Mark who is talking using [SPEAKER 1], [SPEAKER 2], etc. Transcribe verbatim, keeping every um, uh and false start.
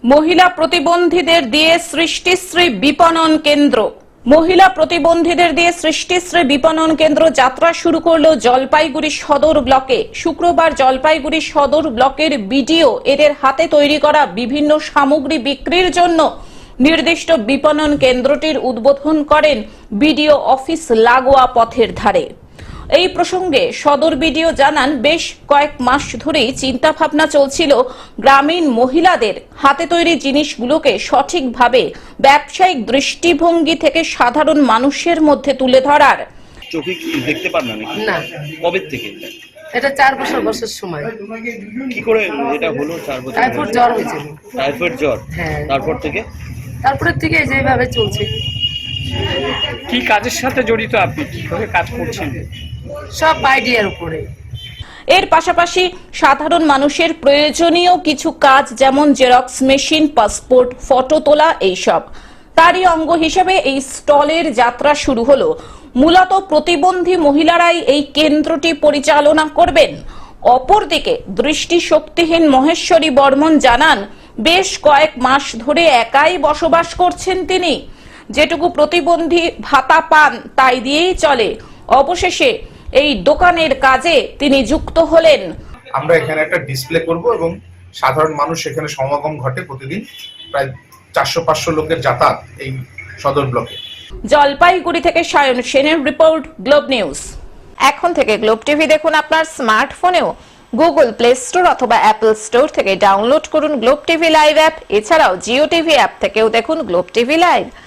[SPEAKER 1] মহিলা প্রতিবন্ধীদের দিয়ে সৃষ্টিশ্রী বিপণন কেন্দ্র। মহিলা প্রতিবন্ধীদের দিয়ে সৃষ্টিশ্রী বিপণন কেন্দ্র যাত্রা শুরু করলো জলপাইগুড়ি সদর ব্লকে। শুক্রবার জলপাইগুড়ি সদর ব্লকের বিডিও এদের হাতে তৈরি করা বিভিন্ন সামগ্রী বিক্রির জন্য নির্দিষ্ট বিপণন কেন্দ্রটির উদ্বোধন করেন বিডিও অফিস লাগোয়া পথের ধারে। এই প্রসঙ্গে সদর বিডিও জানান, বেশ কয়েক মাস ধরেই চিন্তা ভাবনা চলছিল গ্রামীণ মহিলাদের হাতে তৈরি জিনিসগুলোকে সঠিকভাবে ব্যবসায়িক দৃষ্টিভঙ্গি থেকে সাধারণ মানুষের মধ্যে তুলে ধরার।
[SPEAKER 2] চোখে কি দেখতে পান না নাকি?
[SPEAKER 3] না।
[SPEAKER 2] কবে থেকে?
[SPEAKER 3] এটা চার বছর বয়সের সময়।
[SPEAKER 2] কি করে এটা হলো? চার বছর
[SPEAKER 3] টাইফয়েড জ্বর হয়েছিল।
[SPEAKER 2] টাইফয়েড জ্বর?
[SPEAKER 3] হ্যাঁ।
[SPEAKER 2] তারপর থেকে
[SPEAKER 3] তারপরে থেকে যেভাবে চলছে।
[SPEAKER 4] কি কাজের সাথে জড়িত আপনি? কিভাবে কাজ করছেন?
[SPEAKER 3] সব আইডিয়ার উপরে।
[SPEAKER 1] এর পাশাপাশি সাধারণ মানুষের প্রয়োজনীয় কিছু কাজ, যেমন জেরক্স মেশিন, পাসপোর্ট, ফটো তোলা, এইসব। তারই অঙ্গ হিসেবে এই স্টলের যাত্রা শুরু হলো। মূলত প্রতিবন্ধী মহিলারাই এই কেন্দ্রটি পরিচালনা করবেন। অপরদিকে দৃষ্টিশক্তিহীন মহেশ্বরী বর্মন জানান, বেশ কয়েক মাস ধরে একাই বসবাস করছেন তিনি। যেটুকু প্রতিবন্ধী ভাতা পান তাই দিয়েই চলে। অবশেষে এই দোকানের কাজে তিনি যুক্ত হলেন।
[SPEAKER 5] আমরা এখানে একটা ডিসপ্লে করব এবং সাধারণ মানুষ এখানে সমাগম ঘটে। প্রতিদিন প্রায় চারশো পাঁচশো লোকের যাতায়াত এই সদর ব্লকে।
[SPEAKER 1] জলপাইগুড়ি থেকে সায়ন সেনের রিপোর্ট, গ্লোব নিউজ। এখন থেকে গ্লোব টিভি দেখুন আপনার স্মার্টফোনেও। গুগল প্লে স্টোর অথবা অ্যাপল স্টোর থেকে ডাউনলোড করুন গ্লোব টিভি লাইভ অ্যাপ। এছাড়াও জিও টিভি অ্যাপ থেকেও দেখুন গ্লোব টিভি লাইভ।